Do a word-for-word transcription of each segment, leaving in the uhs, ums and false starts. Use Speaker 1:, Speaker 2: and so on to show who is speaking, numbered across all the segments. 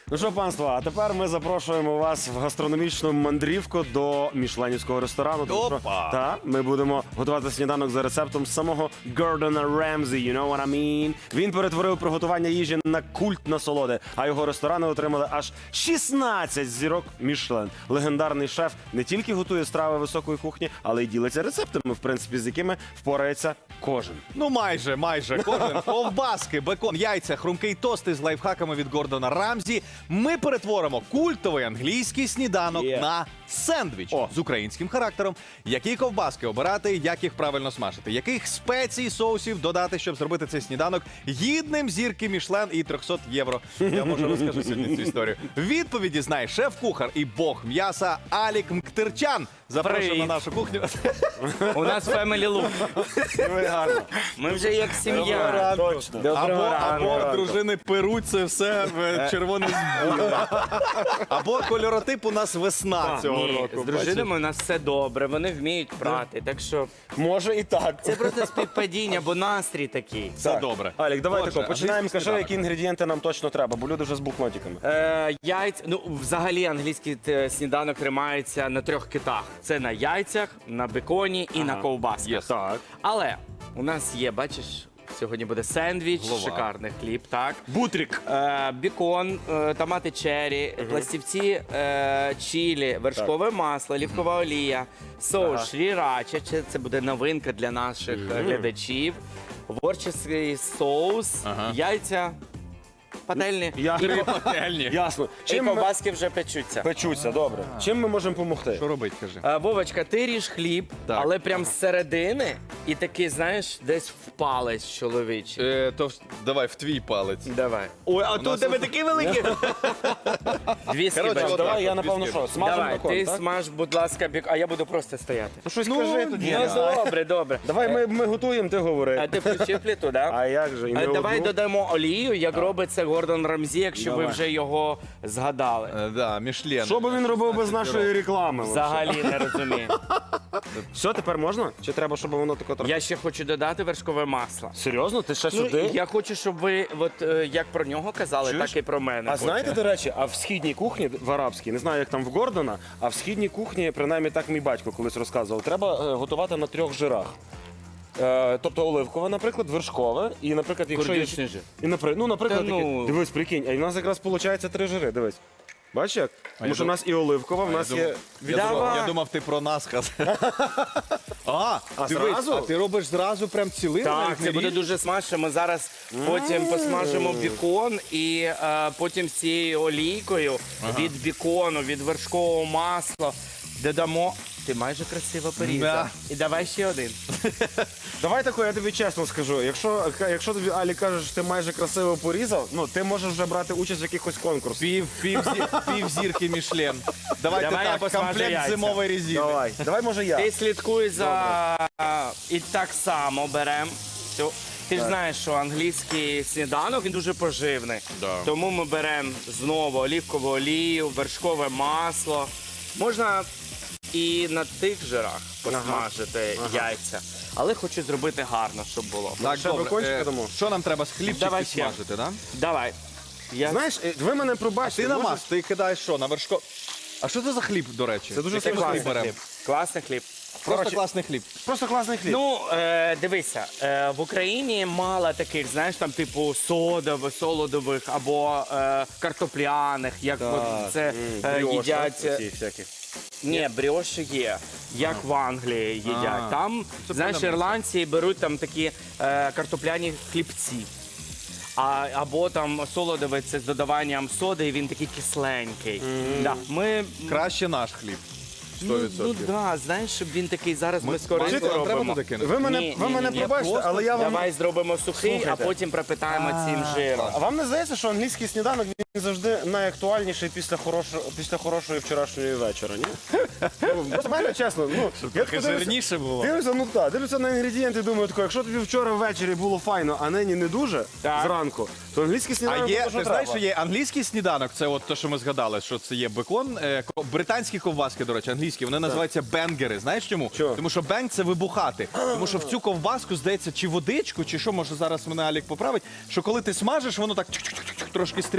Speaker 1: Ну що, панство, а тепер ми запрошуємо вас в гастрономічну мандрівку до мішленівського ресторану. Тому що,
Speaker 2: Опа!
Speaker 1: та, ми будемо готувати сніданок за рецептом самого Гордона Ремзі, you know what I mean? Він перетворив приготування їжі на культ насолоди, а його ресторани отримали аж шістнадцять зірок Мішлен. Легендарний шеф не тільки готує страви високої кухні, але й ділиться рецептами, в принципі, з якими впорається кожен.
Speaker 2: Ну майже, майже. Кожен. Ковбаски, бекон, яйця, хрумкий тост із лайфхаками від Гордона Рамзі. Ми перетворимо культовий англійський сніданок
Speaker 1: Є.
Speaker 2: на сендвіч
Speaker 1: О.
Speaker 2: з українським характером. Які ковбаски обирати, як їх правильно смажити, яких спецій, соусів додати, щоб зробити цей сніданок гідним зірки Мішлен і триста євро. Я може розкажу сьогодні цю історію. Відповіді знає шеф-кухар і бог м'яса Алік Мктерчан. Запрошуємо на
Speaker 3: Привіт.
Speaker 2: нашу кухню.
Speaker 3: У нас family look.
Speaker 1: Ви гарно.
Speaker 3: Ми вже як сім'я.
Speaker 1: Точно.
Speaker 2: Або,
Speaker 3: ранку.
Speaker 2: або дружини перуть це все в червоний збір. Або кольоротип у нас весна цього
Speaker 3: Ні,
Speaker 2: року.
Speaker 3: з дружинами у нас все добре, вони вміють прати. Так що
Speaker 1: Може і так.
Speaker 3: це просто співпадіння, бо настрій такий.
Speaker 2: Все
Speaker 1: Так.
Speaker 2: добре.
Speaker 1: Алік, давай
Speaker 2: Отже,
Speaker 1: тако, починаємо.
Speaker 2: англійський
Speaker 1: Скажи,
Speaker 2: сніданок.
Speaker 1: які інгредієнти нам точно треба, бо люди вже з блокнотиками.
Speaker 3: Е, яйця, ну взагалі англійський е, сніданок тримається на трьох китах. Це на яйцях, на беконі і на ковбасках.
Speaker 2: Yes.
Speaker 1: Так.
Speaker 3: Але у нас є, бачиш, сьогодні буде сендвіч,
Speaker 2: Голова.
Speaker 3: шикарний хліб, так.
Speaker 1: Бутрик.
Speaker 3: Е, бікон, е, томати черрі, пластівці е, чилі, вершкове масло, олівкова олія, соус
Speaker 1: Ага.
Speaker 3: шрірача, це- це буде новинка для наших е, глядачів, ворческий соус,
Speaker 2: Ага.
Speaker 3: яйця, пательні.
Speaker 1: Я...
Speaker 2: Три пательні.
Speaker 1: Ясно.
Speaker 3: І
Speaker 1: Чим ми...
Speaker 3: ковбаски вже печуться.
Speaker 1: Печуться, добре. Чим ми можемо допомогти?
Speaker 2: Що робить, кажи?
Speaker 3: Е, Вовочка, ти ріж хліб,
Speaker 2: Так.
Speaker 3: але прям з середини і такий, знаєш, десь в палець чоловічий.
Speaker 2: Е, то ж, давай в твій палець.
Speaker 3: Давай. Ой, а тут у тебе такі великі. Дві
Speaker 2: Коротше,
Speaker 3: скибочки.
Speaker 2: от
Speaker 1: Давай,
Speaker 2: так,
Speaker 1: я
Speaker 2: от
Speaker 1: напевно
Speaker 2: бісквіт.
Speaker 1: що, смажемо
Speaker 3: Давай,
Speaker 1: бекон,
Speaker 3: ти
Speaker 1: так?
Speaker 3: смаж, будь ласка, бік, а я буду просто стояти.
Speaker 1: Ну щось
Speaker 2: Ну,
Speaker 1: кажи тоді.
Speaker 2: ні,
Speaker 1: я
Speaker 3: Ну,
Speaker 1: не знаю.
Speaker 3: добре, добре.
Speaker 1: Давай, ми, ми готуємо, ти
Speaker 3: А
Speaker 1: говори.
Speaker 3: ти включив плиту, так?
Speaker 1: А як же? І не
Speaker 3: Давай
Speaker 1: одну?
Speaker 3: додамо олію, як робить це Гордон Рамзі, якщо ви
Speaker 1: Давай.
Speaker 3: вже його згадали.
Speaker 2: Е, да, Мішлен.
Speaker 1: Що би він робив без нашої реклами?
Speaker 3: Взагалі не розумію.
Speaker 1: Все, тепер можна? Чи треба, щоб воно тако трохи?
Speaker 3: Я ще хочу додати вершкове масло.
Speaker 1: Серйозно? Ти ще
Speaker 3: Ну,
Speaker 1: сюди?
Speaker 3: я хочу, щоб ви, от е, як про нього казали,
Speaker 1: Чуєш?
Speaker 3: так і про мене.
Speaker 1: А
Speaker 3: хочу.
Speaker 1: знаєте, до речі, а в східній кухні, в арабській, не знаю, як там в Гордона, а в східній кухні, принаймні так мій батько колись розказував, треба е, готувати на трьох жирах. Е, тобто оливкове, наприклад, вершкове, і, наприклад, якщо є...
Speaker 3: Курдючний жир.
Speaker 1: І, наприклад, ну, наприклад,
Speaker 3: Та ну.
Speaker 1: таке- дивись, прикинь, а в нас якраз виходить три жири, дивись. Бачиш як? Тому що в нас і оливкова, в нас
Speaker 2: Я
Speaker 1: є...
Speaker 2: думав, я, думав,
Speaker 3: Давай.
Speaker 2: я думав, ти про нас сказав. А,
Speaker 1: А
Speaker 2: дивись,
Speaker 1: зразу?
Speaker 2: а ти робиш зразу прям цілим?
Speaker 3: Так, це буде дуже смачно. Ми зараз потім посмажимо бікон і е, потім з цією олійкою від бікону, від вершкового масла додамо. Ти майже красиво порізав.
Speaker 2: Да.
Speaker 3: І давай ще один.
Speaker 1: Давай тако, я тобі чесно скажу. Якщо, якщо тобі Алі каже, що ти майже красиво порізав, ну ти можеш вже брати участь в якихось конкурсах.
Speaker 2: Пів, пів, зі, пів зірки Мішлен. Давайте
Speaker 3: Давай я
Speaker 2: так,
Speaker 3: посмажу
Speaker 2: комплект
Speaker 3: яйця.
Speaker 2: зимової резини.
Speaker 1: Давай, давай, може я.
Speaker 3: Ти слідкуй за і так само беремо. Ти ж знаєш, що англійський сніданок він дуже поживний.
Speaker 2: Да.
Speaker 3: Тому ми беремо знову олівкову олію, вершкове масло. Можна і на тих жирах посмажити яйця. Але хочу зробити гарно, щоб було.
Speaker 2: Так,
Speaker 1: Ще
Speaker 2: добре.
Speaker 1: бекончика
Speaker 2: Е,
Speaker 1: дамо?
Speaker 2: Що нам треба з хлібчик
Speaker 3: Давай ще.
Speaker 2: підсмажити, да?
Speaker 3: Давай. Я...
Speaker 1: Знаєш, е, ви мене пробачте.
Speaker 2: Ти
Speaker 1: може-
Speaker 2: намаз, ти кидаєш що, на вершко... А що це за хліб, до речі?
Speaker 1: Це дуже
Speaker 3: Це
Speaker 1: смачний
Speaker 3: класний
Speaker 2: беремо.
Speaker 3: хліб. Класний хліб.
Speaker 2: Просто
Speaker 1: Коротше,
Speaker 2: класний хліб.
Speaker 1: Просто класний хліб.
Speaker 3: Ну, е, дивися, е, в Україні мало таких, знаєш, там типу содових, солодових або е, картопляних, як от це е,
Speaker 1: Бріоша,
Speaker 3: їдять. е,
Speaker 1: оці всякі.
Speaker 3: Ні, бріоші є, як в Англії їдять.
Speaker 2: А,
Speaker 3: Там,
Speaker 2: це
Speaker 3: знаєш,
Speaker 2: прикольно.
Speaker 3: ірландці беруть там такі е, картопляні хлібці. А, або там солодовий це з додаванням соди, і він такий кисленький. Да, ми,
Speaker 2: Краще наш хліб. сто
Speaker 3: ну,
Speaker 2: відсотків.
Speaker 3: ну да, знаєш, щоб він такий зараз ми, з коринку
Speaker 2: Бачите, нам треба
Speaker 3: робимо.
Speaker 2: туди кинути?
Speaker 1: Ви мене,
Speaker 3: Ні,
Speaker 1: ви
Speaker 3: ні,
Speaker 1: мене
Speaker 3: ні, ні,
Speaker 1: пробачте,
Speaker 3: просто
Speaker 1: але я вам...
Speaker 3: Давай зробимо сухий,
Speaker 1: Слухайте.
Speaker 3: а потім пропитаємо цим жиром.
Speaker 1: А вам не здається, що англійський сніданок він завжди найактуальніший після хорошої, після хорошої вчорашньої вечора, ні? Ну, просто мене чесно, ну, я
Speaker 2: Трохи
Speaker 1: тако дивлюся-
Speaker 2: жирніше було.
Speaker 1: Дивлюся, ну так, дивлюся на інгредієнти і думаю, тако, якщо тобі вчора ввечері було файно, а нині не дуже,
Speaker 3: Так.
Speaker 1: зранку, то англійський
Speaker 2: А
Speaker 1: сніданок
Speaker 2: є,
Speaker 1: буде, що
Speaker 2: ти знаєш,
Speaker 1: треба.
Speaker 2: що є англійський сніданок, це от те, що ми згадали, що це є бекон. Е, ко- британські ковбаски, до речі, англійські, вони називаються бенгери. Знаєш чому?
Speaker 1: Чого?
Speaker 2: Тому що бенг це вибухати. Тому що в цю ковбаску, здається, чи водичку, чи що, може зараз мене Алік поправить, що коли ти смажиш, воно так чук-чук-чук трошки стріляє.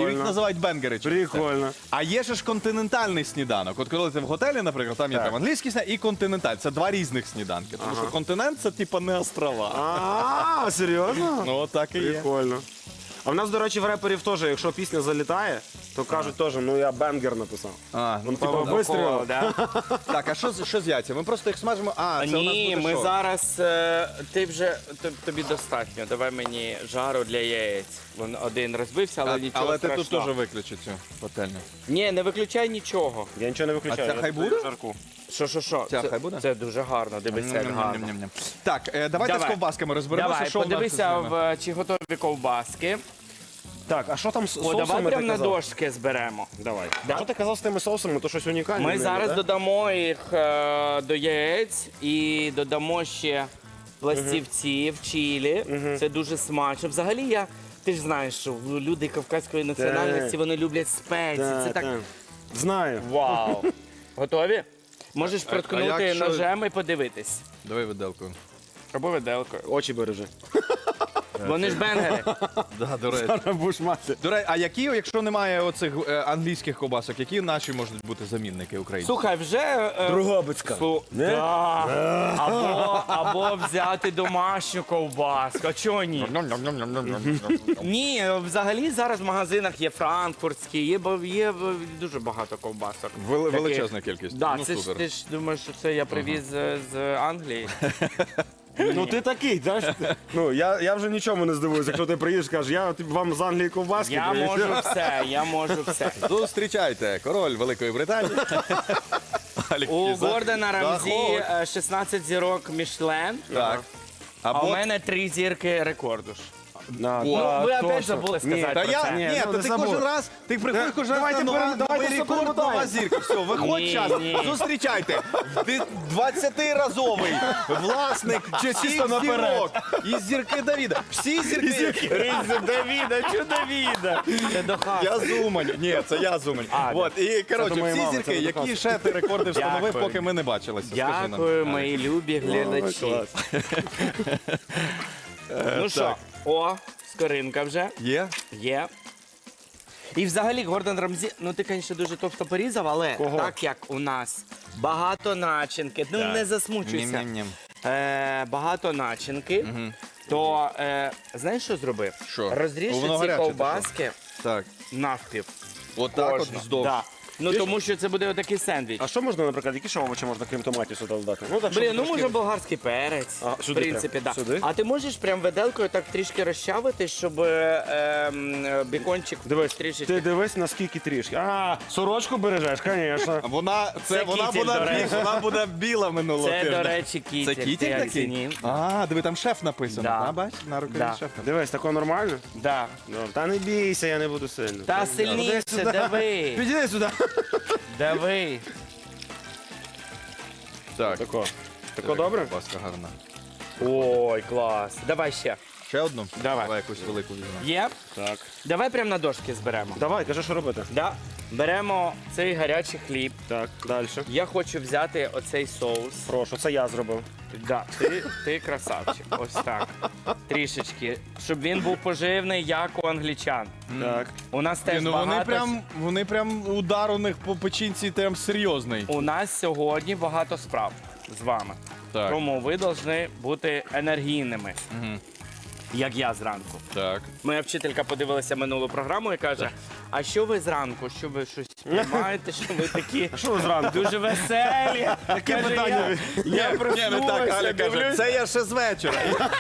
Speaker 1: Прикольно.
Speaker 2: їх називають бенгери. через це.
Speaker 1: Прикольно.
Speaker 2: А є ще ж континентальний сніданок. От коли ти в готелі, наприклад, там є
Speaker 1: Так.
Speaker 2: там англійський сніданок і континенталь. Це два різних сніданки. Тому що континент це типа не острова.
Speaker 1: А, серйозно?
Speaker 2: Ну, так і є.
Speaker 1: Прикольно. А в нас, до речі, в реперів теж, якщо пісня залітає, то кажуть теж, ну я бенгер написав.
Speaker 2: А,
Speaker 1: Ну,
Speaker 2: ну,
Speaker 1: типа,
Speaker 2: певно,
Speaker 1: вистрілив.
Speaker 3: Да?
Speaker 2: Так, а що, з- що з яйцями? Ми просто їх смажимо. А, це у нас
Speaker 3: Ні,
Speaker 2: буде
Speaker 3: ми
Speaker 2: що?
Speaker 3: зараз. е, Ти вже т- тобі достатньо. Давай мені жару для яєць. Він один розбився, але
Speaker 2: А,
Speaker 3: нічого
Speaker 2: але ти тут
Speaker 3: страшного.
Speaker 2: теж виключи цю пательню.
Speaker 3: Ні, не виключай нічого.
Speaker 1: Я нічого не виключаю.
Speaker 2: А це
Speaker 1: я
Speaker 2: хай
Speaker 1: додаю
Speaker 2: буде?
Speaker 1: жарку.
Speaker 3: Що, що, що?
Speaker 2: Ця
Speaker 3: Це-
Speaker 2: хай буде?
Speaker 3: Це дуже гарно. Дивися, як гарно.
Speaker 2: Ням-ням-ням-ням. Так, е, давайте
Speaker 3: Давай.
Speaker 2: з ковбасками розберемося.
Speaker 3: Давай,
Speaker 2: що в нас
Speaker 3: подивися,
Speaker 2: з ними.
Speaker 3: в, чи готові ковбаски.
Speaker 1: Так, а що там з
Speaker 3: О,
Speaker 1: соусами
Speaker 3: давай
Speaker 1: ти
Speaker 3: прямо на
Speaker 1: казав?
Speaker 3: дошки зберемо.
Speaker 1: Давай.
Speaker 3: Да.
Speaker 1: А що ти казав з тими соусами, то щось унікальне.
Speaker 3: Ми
Speaker 1: в
Speaker 3: зараз
Speaker 1: да?
Speaker 3: додамо їх е, до яєць і додамо ще пластівців, чилі. Це дуже смачно. Взагалі я. Ти ж знаєш, що люди кавказької національності вони люблять спеції.
Speaker 1: Так,
Speaker 3: Це так.
Speaker 1: так. Знаю.
Speaker 3: Вау! Готові? Можеш
Speaker 2: а
Speaker 3: проткнути
Speaker 2: якщо-
Speaker 3: ножем і подивитись.
Speaker 2: Давай виделкою.
Speaker 3: Або виделкою.
Speaker 1: Очі бережи.
Speaker 3: Вони ж бенгери.
Speaker 2: Да, до речі.
Speaker 1: Будеш мати.
Speaker 2: До речі, а які, якщо немає оцих е, англійських ковбасок, які наші можуть бути замінники українські?
Speaker 3: Слухай, вже. е,
Speaker 1: Другобицька.
Speaker 3: Су-
Speaker 1: Не?
Speaker 3: Да. Або, або взяти домашню ковбаску. А чого ні? Ні, взагалі зараз в магазинах є франкфуртські, є, ба- є е, дуже багато ковбасок.
Speaker 2: Вели-
Speaker 3: Таких.
Speaker 2: величезна кількість.
Speaker 3: Да,
Speaker 2: Ну,
Speaker 3: це ж,
Speaker 2: супер.
Speaker 3: ти ж думаєш, що це я привіз е, з Англії?
Speaker 1: Ну ти такий, знаєш? Ну я, я вже нічому не здивуюся, якщо ти приїдеш, скажеш, я типу, вам з Англії ковбаски.
Speaker 3: Я
Speaker 1: привіз.
Speaker 3: можу все, я можу все.
Speaker 2: Зустрічайте, король Великої Британії. Алік
Speaker 3: У
Speaker 2: Кізак.
Speaker 3: Гордона Рамзі
Speaker 2: Заходь.
Speaker 3: е, шістнадцять зірок Мішлен,
Speaker 2: Так.
Speaker 3: а у
Speaker 2: Або...
Speaker 3: мене три зірки рекорду ж.
Speaker 1: Да,
Speaker 3: Ну,
Speaker 1: да,
Speaker 3: ви опять
Speaker 1: точно.
Speaker 3: забули
Speaker 1: Ні,
Speaker 3: сказати
Speaker 2: Та
Speaker 3: про
Speaker 2: я,
Speaker 3: це.
Speaker 2: ні,
Speaker 1: Ні,
Speaker 2: то
Speaker 1: ну,
Speaker 2: ти
Speaker 1: забув.
Speaker 2: кожен раз, ти приходиш кожен раз
Speaker 1: Давайте
Speaker 2: на нова,
Speaker 1: пере- давайте
Speaker 2: новий
Speaker 1: все
Speaker 2: рекорд, нова
Speaker 1: перемотаємо.
Speaker 2: зірка. Все, виходь
Speaker 3: Ні,
Speaker 2: час.
Speaker 3: ні.
Speaker 2: Зустрічайте. Ти двадцятиразовий власник всіх
Speaker 1: чисто наперед.
Speaker 2: зірок. І зірки Давіда. Всі зірки.
Speaker 3: Риза Давіда, що Давіда? Це до хати.
Speaker 2: Я зумань. Ні, це я зумань.
Speaker 3: А,
Speaker 2: От, і,
Speaker 1: до
Speaker 2: коротше,
Speaker 1: моєї
Speaker 2: всі
Speaker 1: мами,
Speaker 2: зірки,
Speaker 1: це до
Speaker 2: які
Speaker 1: хати.
Speaker 2: ще ти рекорди встановив,
Speaker 3: Дякую.
Speaker 2: поки ми не бачилися. Скажи нам.
Speaker 3: Дякую, мої любі глядачі.
Speaker 1: клас.
Speaker 3: Ну що, о, скоринка вже
Speaker 2: Є?
Speaker 3: є. І взагалі Гордон Рамзі, ну ти, звісно, дуже товсто порізав, але
Speaker 1: Кого?
Speaker 3: так як у нас багато начинки, ну не засмучуйся.
Speaker 2: Ням-ням-ням.
Speaker 3: Е, багато начинки, то е, знаєш, що зробив?
Speaker 2: Що?
Speaker 3: Розріж
Speaker 2: Воно
Speaker 3: ці
Speaker 2: гаряче, ти
Speaker 3: ковбаски
Speaker 2: Так.
Speaker 3: навпів.
Speaker 2: Отак от
Speaker 3: Кожну.
Speaker 2: вздовж.
Speaker 3: Да. Ну тому що це буде отакий сендвіч.
Speaker 1: А що можна, наприклад, які ще овочі можна, крім томатів, сюди додати? Ну, так, щоб
Speaker 3: Блін, ну
Speaker 1: трошки-
Speaker 3: може болгарський перець,
Speaker 1: А,
Speaker 3: в
Speaker 1: сюди
Speaker 3: принципі,
Speaker 1: прям?
Speaker 3: да.
Speaker 1: Сюди?
Speaker 3: А ти можеш прям виделкою так трішки розчавити, щоб е, ем, бікончик
Speaker 1: Дивись,
Speaker 3: трішечки.
Speaker 1: ти дивись, наскільки трішки. А, сорочку бережеш, звісно.
Speaker 2: Вона, це,
Speaker 3: Це
Speaker 2: вона,
Speaker 3: кітель,
Speaker 2: буде,
Speaker 3: до речі.
Speaker 2: вона буде біла минулого
Speaker 3: Це,
Speaker 2: тижня.
Speaker 3: до речі, кітель.
Speaker 2: Це
Speaker 3: Ти
Speaker 2: кітель
Speaker 3: як
Speaker 2: такий?
Speaker 3: зенів?
Speaker 2: А, диви, там шеф написано.
Speaker 3: Да.
Speaker 2: А, бач, на рукаві
Speaker 3: Да.
Speaker 2: шеф.
Speaker 1: Дивись, тако нормально?
Speaker 3: Да.
Speaker 1: Добре. Та не бійся, я не буду сильно.
Speaker 3: Та
Speaker 1: Іди
Speaker 3: сильніше,
Speaker 1: сюди.
Speaker 3: дави.
Speaker 1: Підійди сюди.
Speaker 3: Дави.
Speaker 2: Так.
Speaker 1: Тако. Тако добре?
Speaker 2: Паска гарна.
Speaker 3: Ой, клас. Давай ще.
Speaker 2: Ще одну?
Speaker 3: Давай.
Speaker 2: Давай якусь велику візьмемо.
Speaker 3: Є?
Speaker 1: Так.
Speaker 3: Давай прямо на дошки зберемо.
Speaker 1: Давай, кажи, що робити.
Speaker 3: Да. Беремо цей гарячий хліб.
Speaker 1: Так, далі.
Speaker 3: Я хочу взяти оцей соус.
Speaker 1: Прошу, це я зробив.
Speaker 3: Да, ти, ти красавчик. Ось так. Трішечки. Щоб він був поживний, як у англічан.
Speaker 1: Так.
Speaker 3: У нас
Speaker 2: Ні,
Speaker 3: теж
Speaker 2: ну
Speaker 3: багато.
Speaker 2: вони прям, вони прям удар у них по печінці прям серйозний.
Speaker 3: У нас сьогодні багато справ з вами.
Speaker 2: Так.
Speaker 3: Тому ви повинні бути енергійними,
Speaker 2: Мгм.
Speaker 3: як я зранку.
Speaker 2: Так.
Speaker 3: Моя вчителька подивилася минулу програму і каже: а що ви зранку? Що ви щось приймаєте? Що ви такі
Speaker 1: Що ви зранку?
Speaker 3: дуже веселі? Таке
Speaker 1: питання?
Speaker 3: Я, я проснувся,
Speaker 2: Аля каже,
Speaker 3: дивлюсь,
Speaker 2: це я ще з вечора.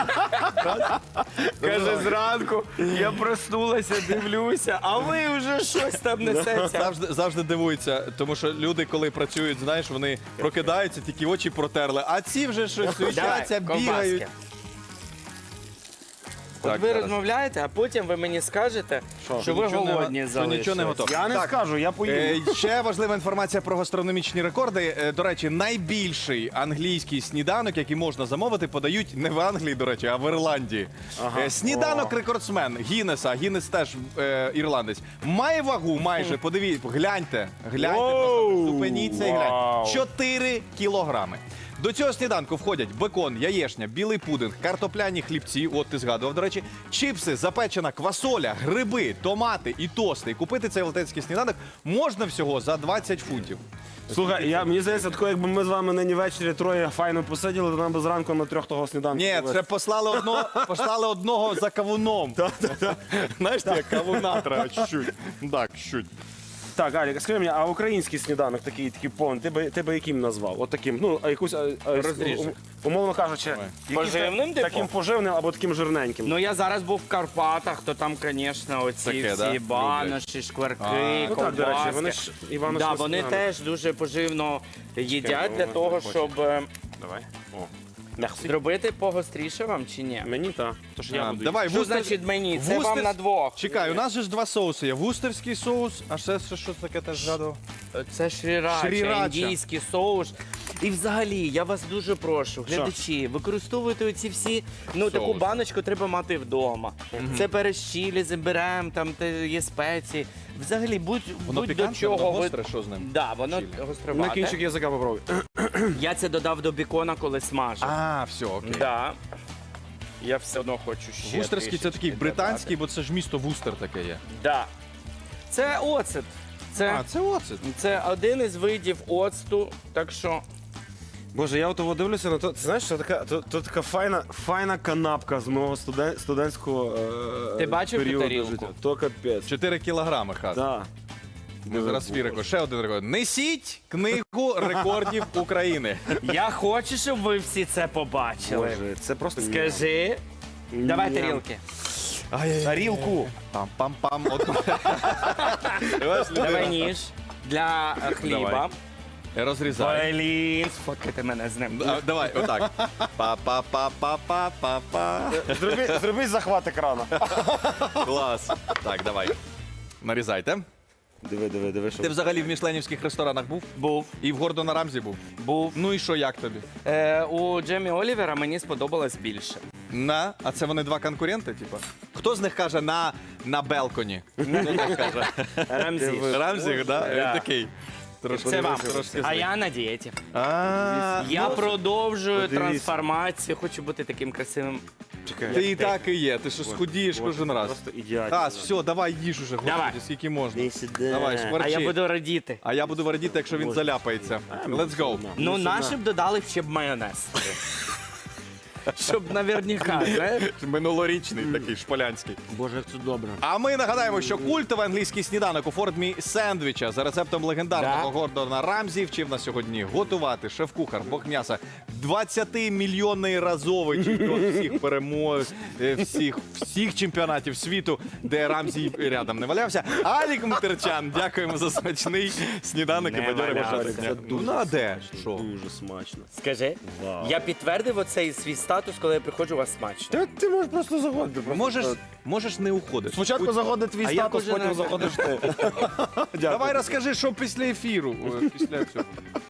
Speaker 3: каже, зранку я проснулася, дивлюся, а ви вже щось там несеться.
Speaker 2: Завжди, завжди дивуються, тому що люди, коли працюють, знаєш, вони прокидаються, тільки очі протерли, а ці вже щось суетяться,
Speaker 3: Давай,
Speaker 2: бігають.
Speaker 3: ковбаски.
Speaker 2: Так,
Speaker 3: От ви
Speaker 2: зараз.
Speaker 3: розмовляєте, а потім ви мені скажете, що,
Speaker 1: Що
Speaker 3: ви
Speaker 2: нічого не го-
Speaker 3: голодні
Speaker 2: що
Speaker 3: залишились.
Speaker 2: нічого не готово.
Speaker 1: Я не
Speaker 2: Так.
Speaker 1: скажу, я
Speaker 2: Е,
Speaker 1: поїду.
Speaker 2: ще важлива інформація про гастрономічні рекорди. Е, До речі, найбільший англійський сніданок, який можна замовити, подають не в Англії, до речі, а в Ірландії.
Speaker 1: Ага.
Speaker 2: Е, Сніданок
Speaker 1: О.
Speaker 2: рекордсмен Гіннеса, Гіннес теж е, ірландець, має вагу майже, подивіться, гляньте, гляньте,
Speaker 1: Воу.
Speaker 2: просто зупиніться і гляньте.
Speaker 3: Вау.
Speaker 2: чотири кілограми. До цього сніданку входять бекон, яєшня, білий пудинг, картопляні хлібці, от ти згадував, до речі, чіпси, запечена квасоля, гриби, томати і тости. І купити цей велетенський сніданок можна всього за двадцять фунтів.
Speaker 1: Слухай, я, мені здається, тако, якби ми з вами нині ввечері троє файно посиділи, то нам би зранку на трьох того сніданку.
Speaker 2: Ні,
Speaker 1: повезти.
Speaker 2: це послали одного, послали одного за кавуном. Знаєш, як кавуна треба чуть-чуть. Так, чуть.
Speaker 1: Так, Алік, скажи мені, а український сніданок такий, такий повний, ти би, ти би яким назвав? От таким, ну, а якусь, а, а,
Speaker 3: Розріж.
Speaker 1: ум- умовно кажучи, якийсь
Speaker 3: Поживним,
Speaker 1: та-
Speaker 3: типу?
Speaker 1: таким поживним або таким жирненьким.
Speaker 3: Ну я зараз був в Карпатах, то там, звісно, оці
Speaker 2: Таке,
Speaker 3: всі
Speaker 2: да?
Speaker 3: баноші, шкварки,
Speaker 1: ну так, до речі, вони ж
Speaker 3: ковбаски.
Speaker 1: Івано
Speaker 3: Да, вони теж дуже поживно їдять для
Speaker 1: ну,
Speaker 3: того,
Speaker 1: хочу.
Speaker 3: щоб е,
Speaker 1: Давай. О. Merci.
Speaker 3: зробити погостріше вам чи ні?
Speaker 1: Мені так. Тож я
Speaker 2: А,
Speaker 1: буду.
Speaker 2: давай,
Speaker 3: Що
Speaker 2: вустер-
Speaker 3: значить мені? Це вам
Speaker 2: вустер-
Speaker 3: на двох.
Speaker 2: Чекай, у нас же ж два соуси є. Вустерський соус, а ще що, що таке теж згадував?
Speaker 3: Це шрірача,
Speaker 2: Шрірача.
Speaker 3: індійський соус. І взагалі, я вас дуже прошу, глядачі, використовуйте оці всі, ну таку
Speaker 2: Соуси.
Speaker 3: баночку треба мати вдома. Це перець чилі, заберемо, там те є спеції. Взагалі, будь,
Speaker 2: Воно
Speaker 3: будь до
Speaker 2: пікантне,
Speaker 3: чого
Speaker 2: воно
Speaker 3: ви...
Speaker 2: гостре, що з ним?
Speaker 3: Да, воно
Speaker 2: Чилі.
Speaker 1: На
Speaker 3: гостровате.
Speaker 1: кінчик язика попробуй.
Speaker 3: Я це додав до бікона, коли смажив.
Speaker 2: А, все, окей.
Speaker 3: Да. Я все одно хочу ще.
Speaker 2: Вустерський це
Speaker 3: трішечки
Speaker 2: такий британський,
Speaker 3: додати.
Speaker 2: бо це ж місто Вустер таке є.
Speaker 3: Да. Це оцет. Це,
Speaker 2: А, це оцет.
Speaker 3: це один із видів оцту, так що
Speaker 1: Боже, я от того дивлюся на то. Ти знаєш, що така, то, то така файна, файна канапка з мого студен, студентського е,
Speaker 3: Ти бачив ту
Speaker 1: періоду
Speaker 3: тарілку?
Speaker 1: життя. То капець.
Speaker 2: чотири кілограми, хас.
Speaker 1: Да.
Speaker 2: Ми зараз свій рекорд. Ще один рекорд. Несіть книгу рекордів України.
Speaker 3: я хочу, щоб ви всі це побачили.
Speaker 1: Боже, це просто
Speaker 3: Скажи. Давай
Speaker 1: Ням.
Speaker 3: тарілки.
Speaker 1: Тарілку.
Speaker 2: Пам-пам-пам. От- Ось людина.
Speaker 3: Давай ніж для е, хліба.
Speaker 2: Давай. Розрізай.
Speaker 3: Блін, сфоткайте мене з ним.
Speaker 2: А, Давай, отак. Па-па-па-па-па-па-па.
Speaker 1: Зроби, зроби захват екрану.
Speaker 2: Клас. Так, давай. Нарізайте.
Speaker 1: Диви, диви, диви, що.
Speaker 2: Ти взагалі в мішленівських ресторанах був?
Speaker 3: Був.
Speaker 2: І в Гордона Рамзі був?
Speaker 3: Був.
Speaker 2: Ну і що, як тобі?
Speaker 3: Е, у Джемі Олівера мені сподобалось більше.
Speaker 2: На, а це вони два конкуренти, типу? Хто з них каже на, на белконі? Хто так каже?
Speaker 3: Рамзі.
Speaker 2: Рамзі, да?
Speaker 3: Да.
Speaker 2: Він такий. Трошки,
Speaker 3: Це вам.
Speaker 2: трошки
Speaker 3: А я на дієті.
Speaker 2: А,
Speaker 3: Я продовжую
Speaker 1: подивіться.
Speaker 3: трансформацію, хочу бути таким красивим.
Speaker 1: Чекай.
Speaker 2: ти і так і є, ти що схудієш кожен раз.
Speaker 1: Просто ідеально.
Speaker 2: Хас, все, давай їж уже,
Speaker 3: Давай.
Speaker 2: господи, скільки можна.
Speaker 1: Іди сюди.
Speaker 2: Давай,
Speaker 3: А
Speaker 2: шкварчи.
Speaker 3: я буду радіти.
Speaker 2: А я буду радіти, якщо він заляпається. Let's go.
Speaker 3: Ну,
Speaker 1: сюди.
Speaker 3: наші б додали ще б майонез. Щоб наверняка, знаєш?
Speaker 2: Минулорічний такий шполянський.
Speaker 3: Боже, як це добре.
Speaker 2: А ми нагадаємо, що культовий англійський сніданок у формі сендвіча за рецептом легендарного
Speaker 3: Да.
Speaker 2: Гордона Рамзі вчив нас сьогодні готувати шеф-кухар, бог м'яса, двадцятимільйонний разовий чемпіон всіх перемог, е, всіх, всіх чемпіонатів світу, де Рамзі рядом не валявся. Алік Мутерчан, дякуємо за смачний сніданок і
Speaker 3: Не
Speaker 2: бадьоре
Speaker 3: валявся.
Speaker 2: бажання.
Speaker 1: Це
Speaker 2: Ну, ну, а де? Що?
Speaker 1: Дуже смачно.
Speaker 3: Скажи,
Speaker 1: Вау.
Speaker 3: я підтвердив оцей свій статус, коли я приходжу у вас смачно.
Speaker 1: Ти, ти можеш просто заходити. просто
Speaker 2: Можеш,
Speaker 1: так.
Speaker 2: можеш не уходити.
Speaker 1: Спочатку заходить твій
Speaker 3: А я
Speaker 1: статус,
Speaker 3: кожен
Speaker 1: потім
Speaker 3: раз-
Speaker 1: заходиш ти. Дякую.
Speaker 2: Давай розкажи, що після ефіру, е, після цього.